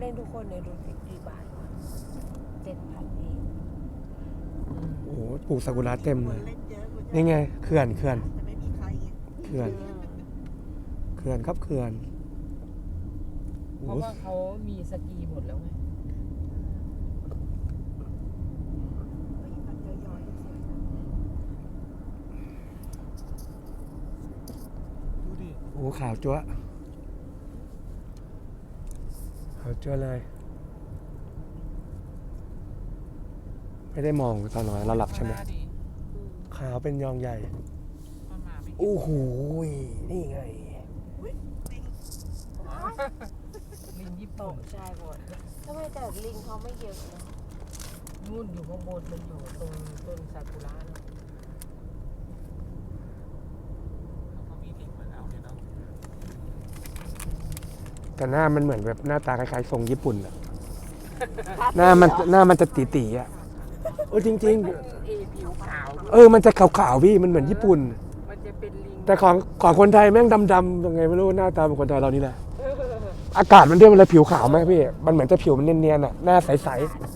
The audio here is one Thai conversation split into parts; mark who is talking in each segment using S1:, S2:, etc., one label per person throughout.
S1: องทุกคนเนี่ยดูสิกี่บาทวะ7,000เอง
S2: โอ้โหปลูกซากุระเต็มเลย
S3: เล่นเยอะคุณ
S2: นี่ไงเขื่อน
S3: แต่ไม่มีใครไง
S2: เขื่อนครับเขื่อน
S4: เพราะว่าเขามีสกีหมดแล้วไง
S3: มันย้อยๆสวยๆนะ
S5: ดูดิ
S2: โอ้โหขาวจั๊วะขาวจั๊วะเลย ไม่ได้มองตอนนอนเราหลับใช่ไหมขาวเป็นยองใหญ่ โอ้โหนี่ไง
S4: ลิงญี่
S1: ต
S4: ปุ่น
S1: กใจหมดทำไมแต่ลิงเขาไม่เยอะนะ
S4: นู่นอยู่ข้างบนมันอยู่ตรงต้นซากุระนะ
S5: เขามีลิงมาแล้วเนี่ยเนาะ
S2: แต่หน้ามันเหมือนแบบหน้าตาคล้ายๆทรงญี่ปุ่นอะหน้ามันจะตีๆอะเออจริง
S4: มันผิวขาว
S2: ๆมันจะขาวๆพี่มันเหมือนญี่ปุ่น
S4: มันจะเป็นลิง
S2: แต่ของคนไทยแม่งดำๆยังไงไม่รู้หน้าตาเป็นคนไทยเรานี่แหละอากาศมันเรียกว่าอะไรผิวขาวไหมพี่มันเหมือนจะผิวมันเนียนๆอะหน้าใส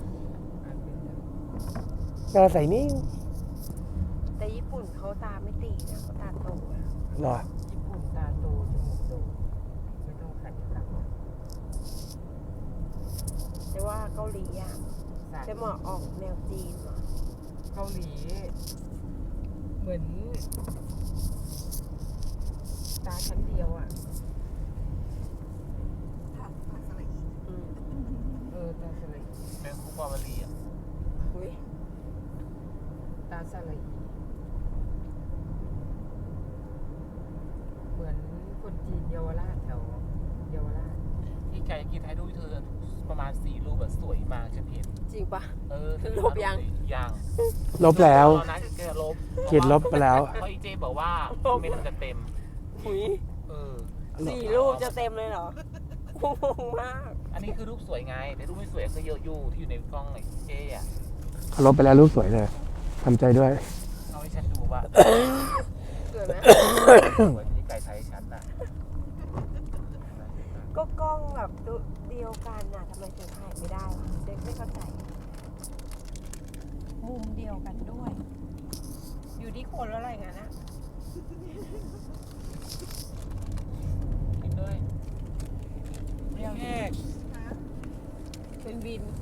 S2: ๆหน้าใสนิ่ง
S1: แต่ญี่ปุ่นเขาตาไม่ตีนะเขาตาโตนะ
S2: เหรอ
S4: ญี่ปุ่นตาโตจมูกโตไม่ต้องขัดกลับ
S1: แต่ว่าเกาหลีอ่ะจะเหมาะออกแนวจีนว่ะ
S4: เกาหลีเหมือนตาชั้นเดียวอ่ะ
S3: ผักสลัดอีก
S4: ตาสลัย
S5: แมงคุกวาวารีอ่ะ
S1: อุ้ย
S4: ตาสลัยเหมือนคนจีนเยาวราชแถวเยาวราช
S5: ที่แกกินให้ดูเธอประมาณ4 รูปแบบสวยมากฉันเห็น
S1: จริงปะ
S5: ลบยัง
S2: ลบแล้ว
S5: ตอนนั้นแกลบ
S2: ขีดลบไปแล้ว
S5: เพราะอีเจบอกว่าเมนมันจะเต็ม
S1: อุ้ย
S5: เออ
S1: 4 รูปจะเต็มเลยเหรอ งงมาก
S5: อันนี้คือรูปสวยไงแต่รูปไม่สวยก็เยอะอยู่ที่อยู่ในกล้องไอ้เจ๊อ่ะ
S2: เขาลบไปแล้วรูปสวยเลยทำใจด้วย
S5: เอาให้ฉันดูว่า
S1: สวยไหม
S5: สวยที่ไก่ไทยฉันน่ะ
S1: ก็กล้องแบบเดียวกันน่ะทำไมถึงถ่ายไม่ได้วะเด็กไม่เข้าใจ มุมเดียวกันด้วย อยู่ที่คนแล้วอะไรงั้นนะ
S5: กินด้วย
S1: เรียว
S5: แยก
S1: เป็นวิน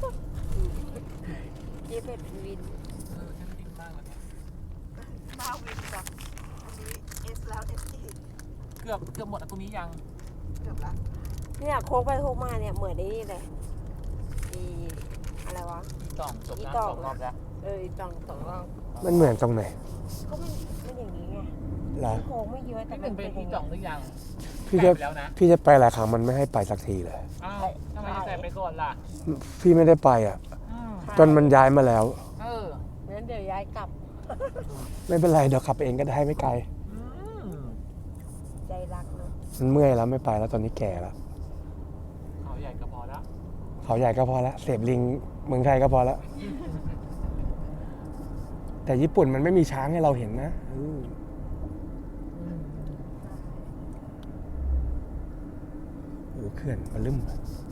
S1: เจ๊เป็ดเป็นวิน
S5: ฉันกินมากเลยเนี่ย
S3: มาวินกับอันนี้เอสแล้วเอสอีก
S5: เกือบหมดอะตรงนี้ยัง
S3: เกือบละ
S1: เนี่ยโค้งไปโค้งมาเนี่ยเหมือนไอ้นี่เลยอีอะไรวะ
S5: ต่องจบ
S1: อี
S5: นะ
S1: ต่อง
S5: 2 รอบแล้ว
S1: อีตองสองรอบ
S2: มันเหมือนตรงไหน
S1: ก็มันอย่างนี้ไง
S2: เหรอ
S1: โค้งไม่เยอะแต่
S5: พี่ห
S1: มั
S5: นึ่
S1: น
S5: ง
S1: เป็
S5: เป็น น
S1: อย่าง
S5: พี่
S1: นี้
S5: จ่องหรือยัง
S2: พี่จะ
S5: ไปแล้วนะ
S2: พี่จะไปหลายครั้งมันไม่ให้ไปสักทีเลย
S5: อ้าวทำไมจะใส่ไปก่อนล่ะ
S2: พี่ไม่ได้ไปอ่ะ จนมันย้ายมาแล้ว
S5: เออ
S1: งั้นเดี๋ยวย้ายกลับ
S2: ไม่เป็นไรเดี๋ยวขับเองก็ได้ไม่ไกล
S1: ใจรักเนาะ
S2: มันเมื่อยแล้วไม่ไปแล้วตอนนี้แก่แล้ว
S5: เขาใหญ่ก็พอแล้ว
S2: เขาใหญ่ก็พอแล้วเสพลิงเมืองไทยก็พอแล้ว แต่ญี่ปุ่นมันไม่มีช้างให้เราเห็นนะโอ้เขื่อนมันลืม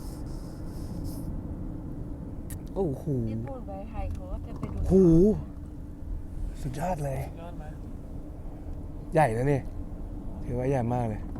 S2: โอ้โห
S1: ญี่ปุ่นไปไทยเขาก็จะไปดู
S2: โหสุดยอดเลย
S5: ยอดไหม
S2: ใหญ่นะนี่ถือว่าใหญ่มากเลย